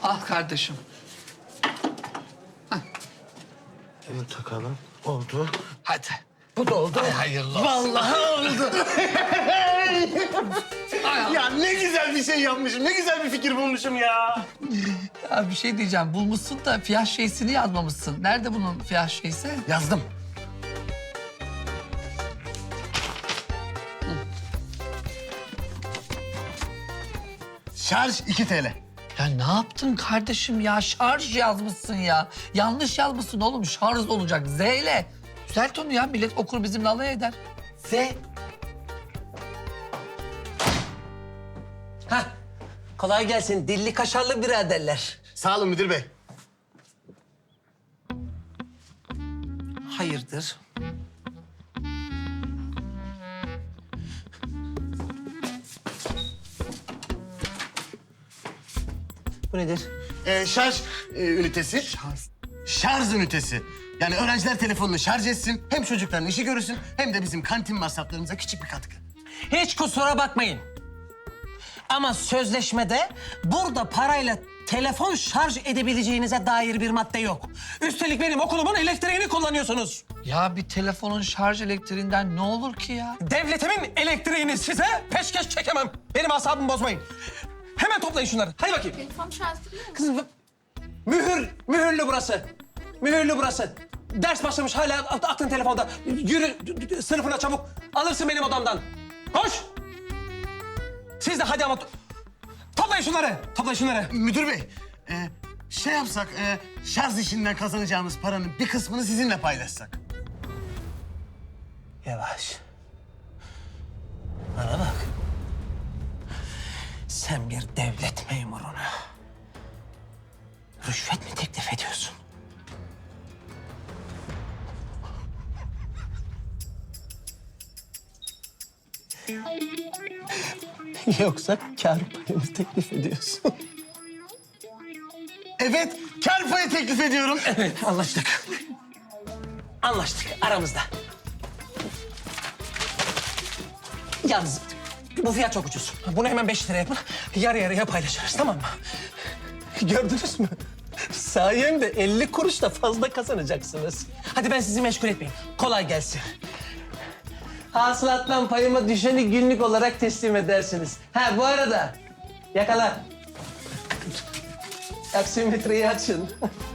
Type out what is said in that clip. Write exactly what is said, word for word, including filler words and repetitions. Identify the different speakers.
Speaker 1: Al kardeşim.
Speaker 2: Bunu takalım. Oldu.
Speaker 1: Hadi.
Speaker 2: Bu da oldu.
Speaker 1: Ay, hayırlı olsun.
Speaker 2: Vallahi oldu.
Speaker 1: Ay,
Speaker 2: Ya ne güzel bir şey yapmışım. Ne güzel bir fikir bulmuşum ya.
Speaker 1: ya bir şey diyeceğim. Bulmuşsun da fiyah şeysini yazmamışsın. Nerede bunun fiyah şeysi?
Speaker 2: Yazdım. Şarj iki T L.
Speaker 1: Ya ne yaptın kardeşim ya? Şarj yazmışsın ya. Yanlış yazmışsın oğlum. Şarj olacak. Z ile. Düzelt onu ya. Millet okur bizimle alay eder. Z.
Speaker 3: Hah, kolay gelsin dilli kaşarlı biraderler.
Speaker 2: Sağ olun müdür bey.
Speaker 3: Hayırdır? Bu nedir?
Speaker 2: Ee, şarj e, ünitesi. Şarj. Şarj ünitesi. Yani öğrenciler telefonunu şarj etsin, hem çocukların işi görürsün, hem de bizim kantin masraflarımıza küçük bir katkı.
Speaker 3: Hiç kusura bakmayın. Ama sözleşmede burada parayla telefon şarj edebileceğinize dair bir madde yok. Üstelik benim okulumun elektriğini kullanıyorsunuz.
Speaker 1: Ya bir telefonun şarj elektriğinden ne olur ki ya?
Speaker 3: Devletimin elektriğini size peşkeş çekemem. Benim asabımı bozmayın. Hemen toplayın şunları. Hadi bakayım.
Speaker 4: Telefon şarjı değil mi?
Speaker 3: Kızım, mühür, mühürlü burası. Mühürlü burası. Ders başlamış hala aklın telefonda. Yürü sınıfına çabuk. Alırsın benim odamdan. Koş. Siz de hadi ama to- toplayın şunları. Toplayın şunları.
Speaker 2: Müdür bey, e, şey yapsak, e, şarj işinden kazanacağımız paranın bir kısmını sizinle paylaşsak.
Speaker 3: Yavaş. Bana bak. Sen bir devlet memuruna rüşvet mi teklif ediyorsun? Yoksa kâr payı mı teklif ediyorsun?
Speaker 2: Evet, kar payı teklif ediyorum.
Speaker 3: Evet, anlaştık. Anlaştık aramızda. Yalnız bu fiyat çok ucuz. Bunu hemen beş lira yapın. Yarı yarıya paylaşırız, tamam mı? Gördünüz mü? Sayemde elli kuruş da fazla kazanacaksınız. Hadi ben sizi meşgul etmeyeyim. Kolay gelsin. Hasılattan payıma düşeni günlük olarak teslim edersiniz. Ha bu arada yakala. Aksimetreyi açın.